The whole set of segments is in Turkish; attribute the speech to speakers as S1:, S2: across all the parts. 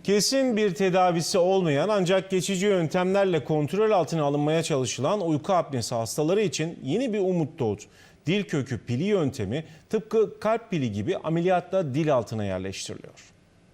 S1: Kesin bir tedavisi olmayan ancak geçici yöntemlerle kontrol altına alınmaya çalışılan uyku apnesi hastaları için yeni bir umut doğdu. Dil kökü pili yöntemi tıpkı kalp pili gibi ameliyatla dil altına yerleştiriliyor.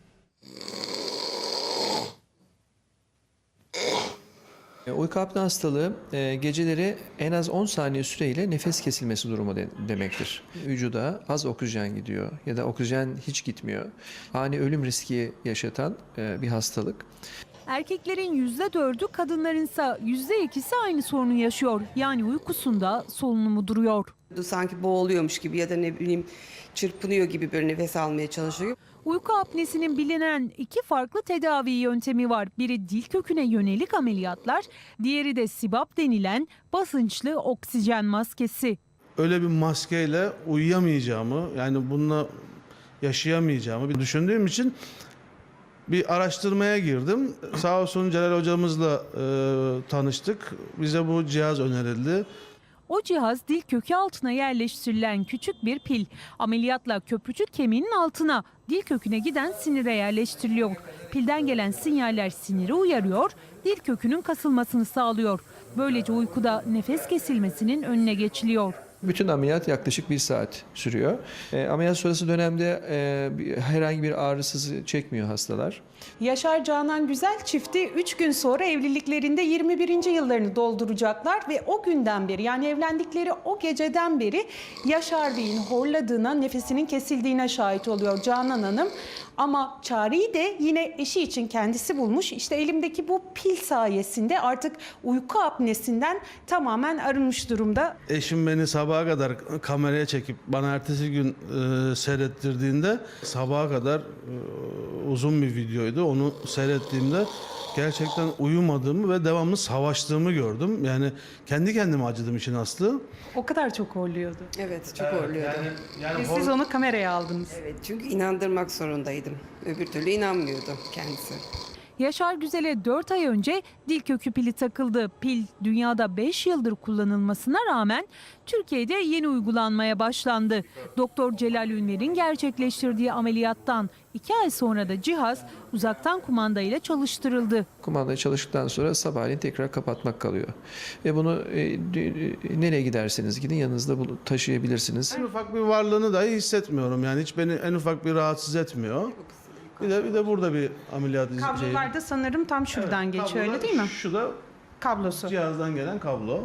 S2: Uyku apne hastalığı geceleri en az 10 saniye süreyle nefes kesilmesi durumu demektir. Vücuda az oksijen gidiyor ya da oksijen hiç gitmiyor. Ani ölüm riski yaşatan bir hastalık.
S3: Erkeklerin %4'ü, kadınlarınsa %2'si aynı sorunu yaşıyor. Yani uykusunda solunumu duruyor.
S4: Sanki boğuluyormuş gibi ya da ne bileyim çırpınıyor gibi böyle nefes almaya çalışıyor.
S3: Uyku apnesinin bilinen iki farklı tedavi yöntemi var. Biri dil köküne yönelik ameliyatlar, diğeri de CPAP denilen basınçlı oksijen maskesi.
S5: Öyle bir maskeyle uyuyamayacağımı, yani bununla yaşayamayacağımı bir düşündüğüm için bir araştırmaya girdim. Sağ olsun Celal hocamızla tanıştık. Bize bu cihaz önerildi.
S3: O cihaz dil kökü altına yerleştirilen küçük bir pil. Ameliyatla köprücük kemiğinin altına, dil köküne giden sinire yerleştiriliyor. Pilden gelen sinyaller siniri uyarıyor, dil kökünün kasılmasını sağlıyor. Böylece uykuda nefes kesilmesinin önüne geçiliyor.
S2: Bütün ameliyat yaklaşık 1 saat sürüyor. Ameliyat sonrası dönemde herhangi bir ağrısız çekmiyor hastalar.
S6: Yaşar Canan Güzel çifti 3 gün sonra evliliklerinde 21. yıllarını dolduracaklar ve o günden beri, yani evlendikleri o geceden beri Yaşar Bey'in horladığına, nefesinin kesildiğine şahit oluyor Canan Hanım. Ama çareyi de yine eşi için kendisi bulmuş. İşte elimdeki bu pil sayesinde artık uyku apnesinden tamamen arınmış durumda.
S5: Eşim beni sabaha kadar kameraya çekip bana ertesi gün seyrettirdiğinde, sabaha kadar uzun bir videoydu. Onu seyrettiğimde gerçekten uyumadığımı ve devamlı savaştığımı gördüm. Yani kendi kendime acıdım işin aslı.
S6: O kadar çok horluyordu.
S4: Evet, çok horluyordu.
S6: Ve siz onu kameraya aldınız.
S4: Evet, çünkü inandırmak zorundaydım. Öbür türlü inanmıyordu kendisi.
S3: Yaşar Güzel'e 4 ay önce dil kökü pili takıldı. Pil dünyada 5 yıldır kullanılmasına rağmen Türkiye'de yeni uygulanmaya başlandı. Doktor Celal Ünver'in gerçekleştirdiği ameliyattan 2 ay sonra da cihaz uzaktan kumandayla çalıştırıldı.
S2: Kumandayı çalıştıktan sonra sabahleyin tekrar kapatmak kalıyor. Ve bunu nereye giderseniz gidin yanınızda taşıyabilirsiniz.
S5: En ufak bir varlığını dahi hissetmiyorum. Yani hiç beni en ufak bir rahatsız etmiyor. Bir de burada bir ameliyat
S6: Kablolar da sanırım tam şuradan geçiyor, öyle değil mi?
S5: Şu da
S6: Kablosu.
S5: cihazdan gelen kablo.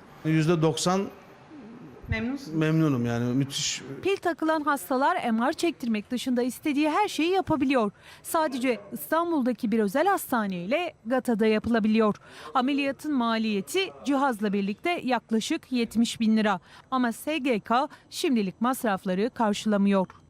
S5: %90
S6: Memnunsun.
S5: memnunum, yani müthiş.
S3: Pil takılan hastalar MR çektirmek dışında istediği her şeyi yapabiliyor. Sadece İstanbul'daki bir özel hastane ile GATA'da yapılabiliyor. Ameliyatın maliyeti cihazla birlikte yaklaşık 70.000 lira. Ama SGK şimdilik masrafları karşılamıyor.